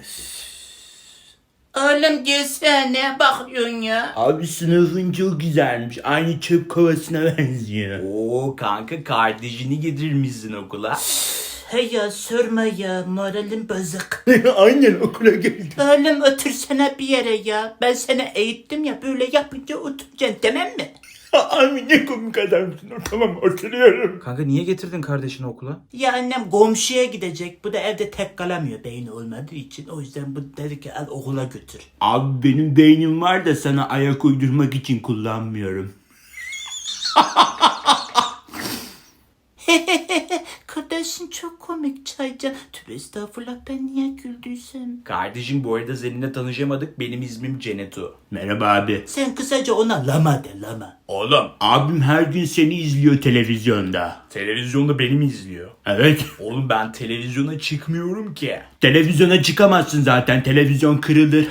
Oğlum gelsene, ne bakıyorsun ya? Abi sınıfın çok güzelmiş. Aynı çöp kovasına benziyor. Oo kanka kardeşini getirmişsin okula. Hey ya sorma ya, moralim bozuk. Aynen okula geldim. Oğlum otursana bir yere ya. Ben seni eğittim ya, böyle yapınca oturacaksın, tamam mı? Abi ne komik adamsın. Tamam oturuyorum. Kanka niye getirdin kardeşini okula? Ya annem komşuya gidecek. Bu da evde tek kalamıyor beyni olmadığı için. O yüzden bu dedi ki al okula götür. Abi benim beynim var da sana ayak uydurmak için kullanmıyorum. Kardeşin çok komik Çaycan. Tövbe estağfurullah, ben niye güldüysem. Kardeşim bu arada seninle tanışamadık. Benim ismim Cenetu. Merhaba abi. Sen kısaca ona lama de, lama. Oğlum Abim her gün seni izliyor televizyonda. televizyonda beni mi izliyor? Evet. Oğlum ben televizyona çıkmıyorum ki. Televizyona çıkamazsın zaten. Televizyon kırılır.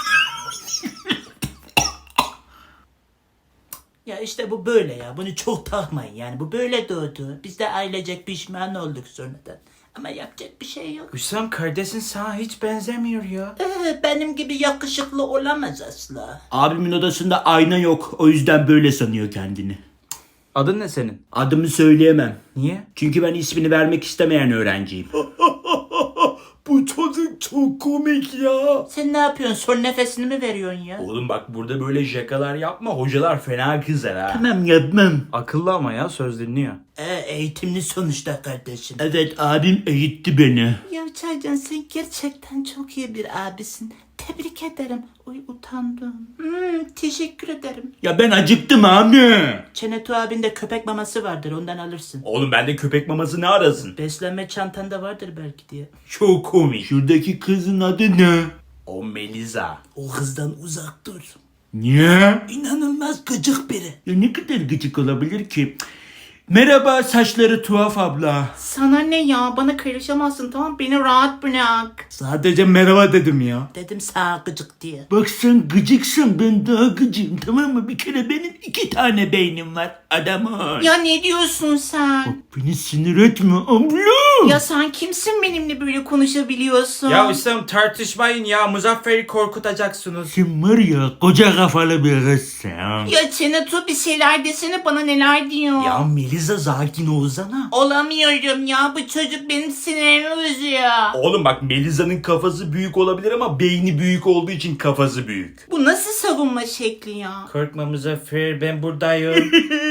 Ya işte bu böyle ya. Bunu çok takmayın yani. Bu böyle doğdu. Biz de ailecek pişman olduk sonradan. Ama yapacak bir şey yok. Hüsam kardeşin sana hiç benzemiyor ya. Benim gibi yakışıklı olamaz asla. Abimin odasında ayna yok. O yüzden böyle sanıyor kendini. Adın ne senin? Adımı söyleyemem. Niye? Çünkü ben ismini vermek istemeyen öğrenciyim. Bu çocuk çok komik ya. Sen ne yapıyorsun? Son nefesini mi veriyorsun ya? Oğlum bak burada böyle şakalar yapma. Hocalar fena kızar ha. Tamam yapmam. Akıllı ama ya söz dinliyor. Eğitimli sonuçta kardeşim. Evet abim eğitti beni. Ya Çaycan, sen gerçekten çok iyi bir abisin. Tebrik ederim. Oy utandım. Teşekkür ederim. Ya ben acıktım abi. Çenetu abinde köpek maması vardır, ondan alırsın. Oğlum bende köpek maması ne arasın? Beslenme çantanda vardır belki diye. Çok komik. Şuradaki kızın adı ne? O Melisa. O kızdan uzak dur. Niye? İnanılmaz gıcık biri. Ya ne kadar gıcık olabilir ki? Merhaba saçları tuhaf abla. Sana ne ya? Bana karışamazsın, tamam, beni rahat bırak. Sadece merhaba dedim ya. Dedim sana gıcık diye. Bak sen gıcıksın, ben daha gıcığım, tamam mı? Bir kere benim 2 tane beynim var adamın. Ya ne diyorsun sen? Bak beni sinir etme abla. Ya sen kimsin benimle böyle konuşabiliyorsun? Ya Hüsam tartışmayın ya. Muzaffer'i korkutacaksınız. Sen var ya koca kafalı bir kızsın. Ya Çenetu bir şeyler desene, bana neler diyor. Ya Melisa sakin olsana. Olamıyorum ya, bu çocuk benim sinirimi bozuyor. Oğlum bak Melisa'nın kafası büyük olabilir ama beyni büyük olduğu için kafası büyük. Bu nasıl savunma şekli ya? Korkma Muzaffer ben buradayım.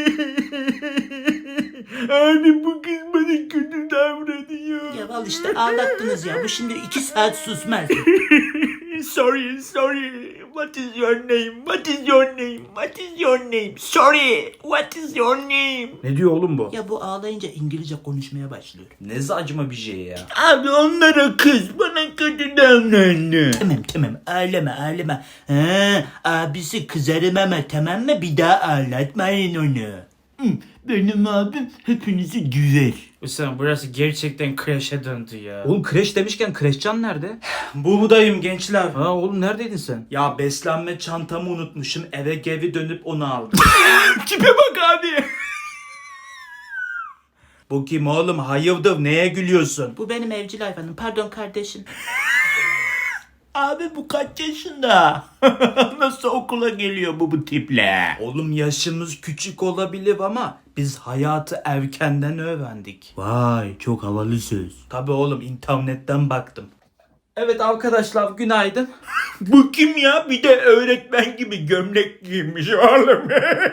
Abi bu kız bana kötü davranıyor. Ya al işte, ağlattınız ya, bu şimdi 2 saat susmaz. Sorry. What is your name? What is your name? What is your name? Sorry. What is your name? Ne diyor oğlum bu? Ya bu ağlayınca İngilizce konuşmaya başlıyor. Ne saçma bir şey ya. Abi onlara kız bana kötü davrandı. Tamam ağlama. Abisi kızarım ama, tamam mı? Bir daha ağlatmayın onu. Benim abim hepinizi güzel. Hüsam burası gerçekten kreşe döndü ya. Oğlum kreş demişken kreşcan nerede? Buradayım gençler. Ha oğlum neredeydin sen? Ya beslenme çantamı unutmuşum. Eve geri dönüp onu aldım. Tipe bak abi. Bu kim oğlum? Hayırdır neye gülüyorsun? Bu benim evcil hayvanım, pardon kardeşim. Abi bu kaç yaşında? Nasıl okula geliyor bu tiple? Oğlum yaşımız küçük olabilir ama biz hayatı erkenden öğrendik. Vay çok havalı söz. Tabi oğlum internetten baktım. Evet arkadaşlar günaydın. Bu kim ya? Bir de öğretmen gibi gömlek giymiş oğlum.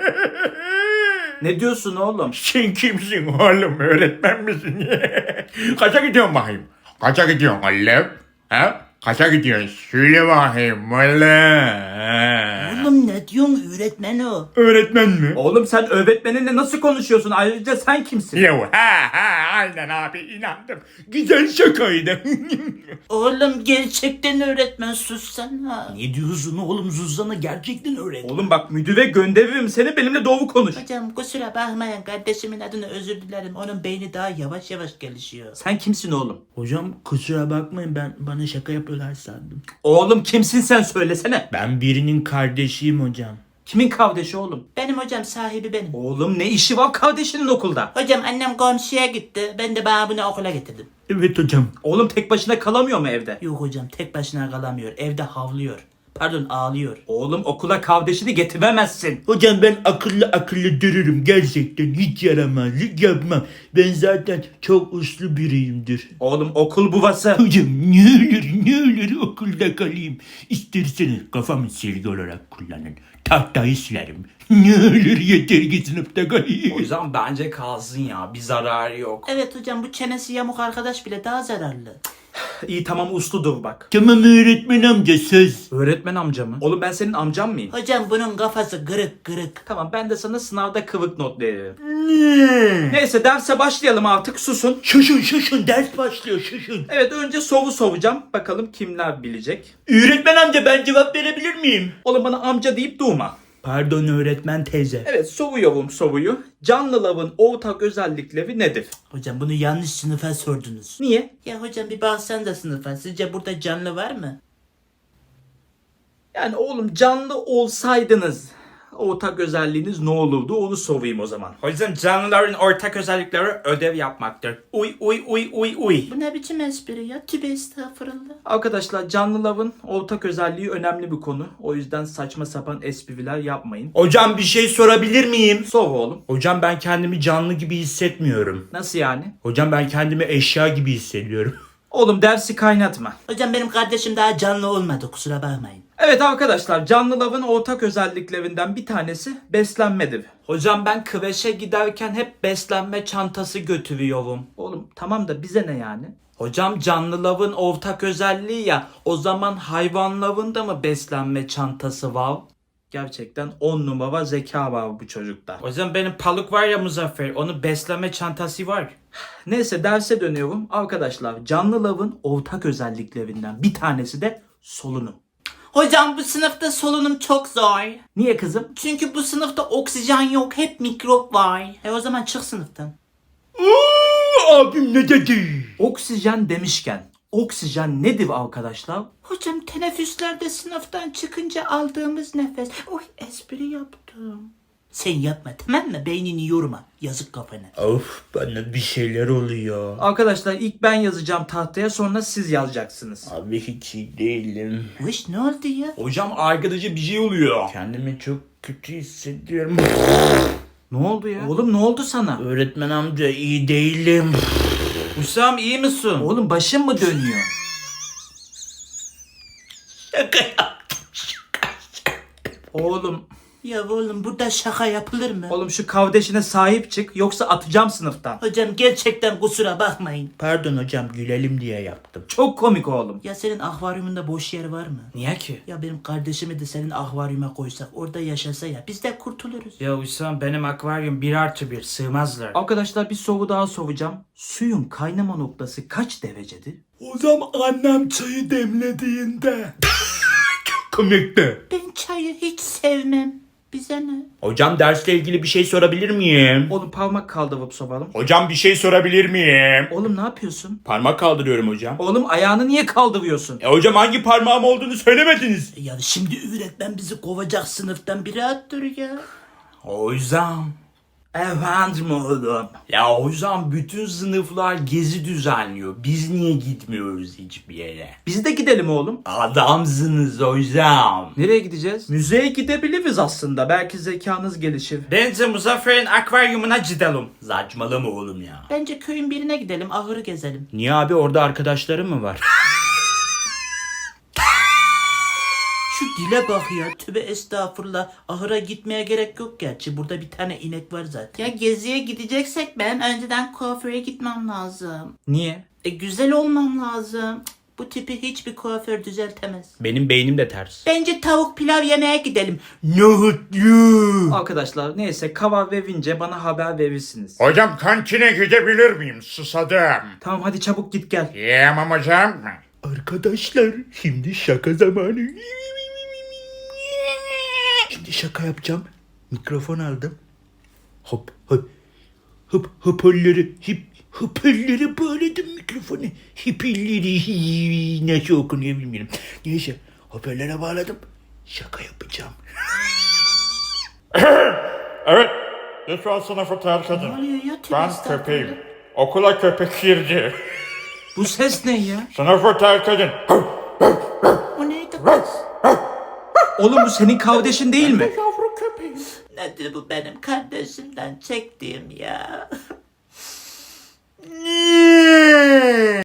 Ne diyorsun oğlum? Sen kimsin oğlum? Öğretmen misin? Kaça gidiyorsun bakayım? Kaça gidiyorsun oğlum? Ha? Kaça gidiyorsun? Söyle bakayım oğlum. Oğlum ne diyorsun, öğretmen o. Öğretmen mi? Oğlum sen öğretmeninle nasıl konuşuyorsun? Ayrıca sen kimsin? Yo aynen abi inandım. Güzel şakaydı. Oğlum gerçekten öğretmen, sussana. Ne diyorsun oğlum Zuzan'ı gerçekten öğret. Oğlum bak müdüre gönderirim seni benimle doğru konuş. Hocam kusura bakmayın, kardeşimin adına özür dilerim. Onun beyni daha yavaş gelişiyor. Sen kimsin oğlum? Hocam kusura bakmayın bana şaka yapıyorlar sandım. Oğlum kimsin sen söylesene. Ben birinin kardeşiyim hocam. Kimin kardeşi oğlum? Benim hocam, sahibi benim. Oğlum ne işi var kardeşinin okulda? Hocam annem komşuya gitti. Ben de bana bunu okula getirdim. Evet hocam. Oğlum tek başına kalamıyor mu evde? Yok hocam tek başına kalamıyor. Evde havlıyor. Pardon ağlıyor. Oğlum okula kardeşini getiremezsin. Hocam ben akıllı dururum. Gerçekten hiç yaramazlık yapmam. Ben zaten çok uslu biriyimdir. Oğlum okul buvası. Hocam ne olur okulda kalayım. İsterseniz kafamı silgi olarak kullanın. Tahtayı silerim. Ne olur yeter ki sınıfta kalayım. O yüzden bence kalsın ya. Bir zararı yok. Evet hocam bu çenesi yamuk arkadaş bile daha zararlı. İyi tamam usludur bak. Tamam öğretmen amca söz. Öğretmen amca mı? Oğlum ben senin amcan mıyım? Hocam bunun kafası kırık. Tamam ben de sana sınavda kıvık not veririm. Neyse derse başlayalım artık susun. Şuşun ders başlıyor şuşun. Evet önce soru soracağım. Bakalım kimler bilecek. Öğretmen amca ben cevap verebilir miyim? Oğlum bana amca deyip durma. Pardon öğretmen teyze. Evet soruyorum soruyu. Canlıların ortak özellikleri nedir? Hocam bunu yanlış sınıfa sordunuz. Niye? Ya hocam bir baksan da sınıfa. Sizce burada canlı var mı? Yani oğlum canlı olsaydınız ortak özelliğiniz ne olurdu onu sorayım o zaman. O yüzden canlıların ortak özellikleri ödev yapmaktır. Uy. Bu ne biçim espri ya? Tübe estağfurullah. Arkadaşlar canlıların ortak özelliği önemli bir konu. O yüzden saçma sapan espriler yapmayın. Hocam bir şey sorabilir miyim? Sor oğlum. Hocam ben kendimi canlı gibi hissetmiyorum. Nasıl yani? Hocam ben kendimi eşya gibi hissediyorum. Oğlum dersi kaynatma. Hocam benim kardeşim daha canlı olmadı kusura bakmayın. Evet arkadaşlar canlıların ortak özelliklerinden bir tanesi beslenmedir. Hocam ben kreşe giderken hep beslenme çantası götürüyorum. Oğlum tamam da bize ne yani? Hocam canlıların ortak özelliği ya o zaman hayvanların da mı beslenme çantası var? Gerçekten 10 numara zeka var bu çocukta. O yüzden benim paluk var ya Muzaffer onun beslenme çantası var. Neyse derse dönüyorum. Arkadaşlar canlıların ortak özelliklerinden bir tanesi de solunum. Hocam bu sınıfta solunum çok zor. Niye kızım? Çünkü bu sınıfta oksijen yok hep mikrop var. O zaman çık sınıftan. Abim ne dedi? Oksijen demişken oksijen nedir arkadaşlar? Hocam teneffüslerde sınıftan çıkınca aldığımız nefes. Oy espri yaptım. Sen yapma tamam mı? Beynini yorma. Yazık kafana. Of bana bir şeyler oluyor. Arkadaşlar ilk ben yazacağım tahtaya sonra siz yazacaksınız. Abi hiç iyi değilim. Wish ne oldu ya? Hocam arkadaşa bir şey oluyor. Kendimi çok kötü hissediyorum. Ne oldu ya? Oğlum ne oldu sana? Öğretmen amca iyi değilim. Hüsam iyi misin? Oğlum başın mı dönüyor? Oğlum. Ya oğlum burada şaka yapılır mı? Oğlum şu kardeşine sahip çık yoksa atacağım sınıftan. Hocam gerçekten kusura bakmayın. Pardon hocam gülelim diye yaptım. Çok komik oğlum. Ya senin akvaryumunda boş yer var mı? Niye ki? Ya benim kardeşimi de senin akvaryuma koysak orada yaşasa ya biz de kurtuluruz. Ya Hüsam benim akvaryum 1+1 sığmazlar. Arkadaşlar bir soru daha soracağım. Suyun kaynama noktası kaç derecedir? Hocam annem çayı demlediğinde. Çok komikti. Ben çayı hiç sevmem. Bize ne? Hocam dersle ilgili bir şey sorabilir miyim? Oğlum parmak kaldırıp soralım. Hocam bir şey sorabilir miyim? Oğlum ne yapıyorsun? Parmak kaldırıyorum hocam. Oğlum ayağını niye kaldırıyorsun? Hocam hangi parmağım olduğunu söylemediniz. Ya şimdi öğretmen bizi kovacak sınıftan bir rahat dur ya. Hocam. Efendim oğlum. Ya hocam bütün sınıflar gezi düzenliyor. Biz niye gitmiyoruz hiçbir yere? Biz de gidelim oğlum. Adamsınız hocam. Nereye gideceğiz? Müzeye gidebiliriz aslında. Belki zekanız gelişir. Bence Muzaffer'in akvaryumuna gidelim. Saçmalama oğlum ya. Bence köyün birine gidelim ahırı gezelim. Niye abi orada arkadaşlarım mı var? Şu dile bak ya tübe estağfurullah ahıra gitmeye gerek yok gerçi burada bir tane inek var zaten. Ya geziye gideceksek ben önceden kuaföre gitmem lazım. Niye? Güzel olmam lazım. Bu tipi hiçbir kuaför düzeltemez. Benim beynim de ters. Bence tavuk pilav yemeye gidelim. Nohutlu. Arkadaşlar neyse karar verince bana haber verirsiniz. Hocam kantine gidebilir miyim? Susadım. Tamam hadi çabuk git gel. Yiyemem hocam. Arkadaşlar şimdi şaka zamanı. Şimdi şaka yapacağım. Mikrofon aldım. Hop hop. Hoparlörü hoparlörü bağladım mikrofonu. Hoparlörü nasıl okunuyor bilmiyorum. Neyse hoparlöre bağladım. Şaka yapacağım. Evet. Lütfen sınıfı terk edin. Ne oluyor ya? Tübe Ben estağfurullah. köpeğim. Okula köpek girdi. Bu ses ne ya? Sınıfı terk edin. O neydi kız? Oğlum bu senin kardeşin değil mi? Yavru köpeğim. Nedir bu benim kardeşimden çektiğim ya?